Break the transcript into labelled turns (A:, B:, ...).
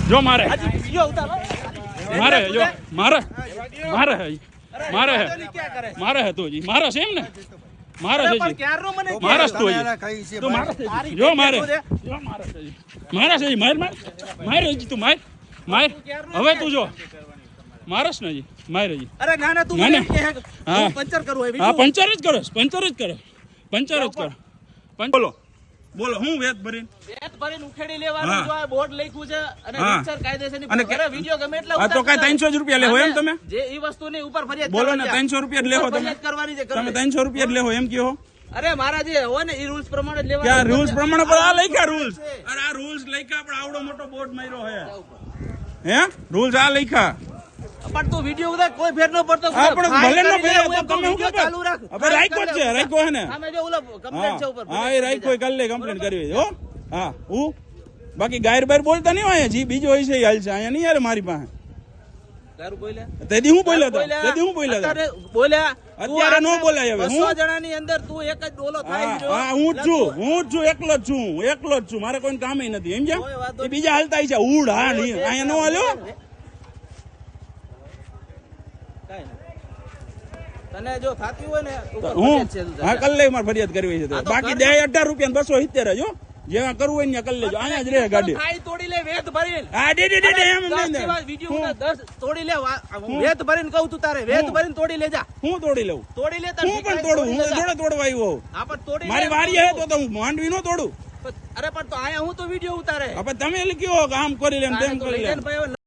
A: જો મારે
B: મારે
A: જો મારે મારે હે તો જી મારે છે એમ ને મારે છે જી મારે તો જી તું મારે જો મારે છે જી માર જી તું માર હવે તું જો મારસ ને જી મારે જી
B: અરે ના ના તું મને કે હા પંચર કરવું હે
A: હા પંચર જ કરો પંચર જ કરો બોલો હું વેત ભરીને
B: ઉખેડી લેવાનું જો આ બોર્ડ લખ્યું છે અને રિક્સર કાયદેસરની અરે વિડિયો ગમે એટલા
A: આ તો કઈ 300 રૂપિયા લેવો એમ તમે
B: જે ઈ વસ્તુની ઉપર ફરિયાદ
A: બોલો ને 300 રૂપિયા લેવો તમે
B: કરવાની છે
A: તમે 300 રૂપિયા લેવો એમ કયો
B: અરે મારા જે હોય ને ઈ રૂલ્સ પ્રમાણે જ લેવાનું
A: ક્યાં રૂલ્સ પ્રમાણે પર આ લખ્યા રૂલ્સ અરે આ રૂલ્સ લખ્યા આપણે આવડો મોટો બોર્ડ માર્યો હે રૂલ્સ આ લખ્યા
B: પણ તું વિડિયો ઉતાર કોઈ ફેર ન પડતો
A: હા પણ ભલે ન ફેર તો તમે હું
B: ચાલુ રાખ
A: હવે રાખ્યો છે રાખ્યો હે ને
B: સામે જો ઓલો કમ્પ્લેન્ટ છે ઉપર
A: હા એ રાખ્યો કાલ લે કમ્પ્લેન્ટ કરવી હો હા હું બાકી ગાયર બાયર બોલતા નહીં હોય જી બીજો હોય છે હાલ છે અહીંયા નહીં યાર મારી પાસે
B: તારું બોલ્યા
A: તેદી હું બોલ્યા
B: અત્યારે બોલ્યા
A: અત્યારે નો બોલાય હવે
B: 200 જણાની અંદર તું એક જ ડોલો થાય
A: હા હું જ છું એકલો જ છું મારે કોઈ કામ નથી એમ છે એ બીજા હાલતા છે ઉડ હા નહીં અહીંયા નો હાલ્યો
B: તને જો થાતી હોય ને
A: હું હા કલ લે મારે ફરિયાદ કરવી છે બાકી દે 18 રૂપિયા 270 જો જેવા કરવું હોય ને કલ લેજો અહીંયા જ રહે ગાડી
B: ખાઈ તોડી લે વેત ભરીને
A: હા દે એમ નહીં
B: વિડિયો 10 તોડી લે વેત ભરીને કહું તું તારે વેત ભરીને તોડી લે જા
A: હું તોડી લઉં
B: તોડી લે
A: હું પણ તોડું હું જોડે તોડવા આવ્યો
B: હા પણ તોડી
A: મારી વારી હે તો હું માંડવી નો તોડું
B: અરે પણ તો આયા હું તો વિડિયો ઉતારે
A: હવે તમે લખ્યો આમ કરી લે તેમ કરી લે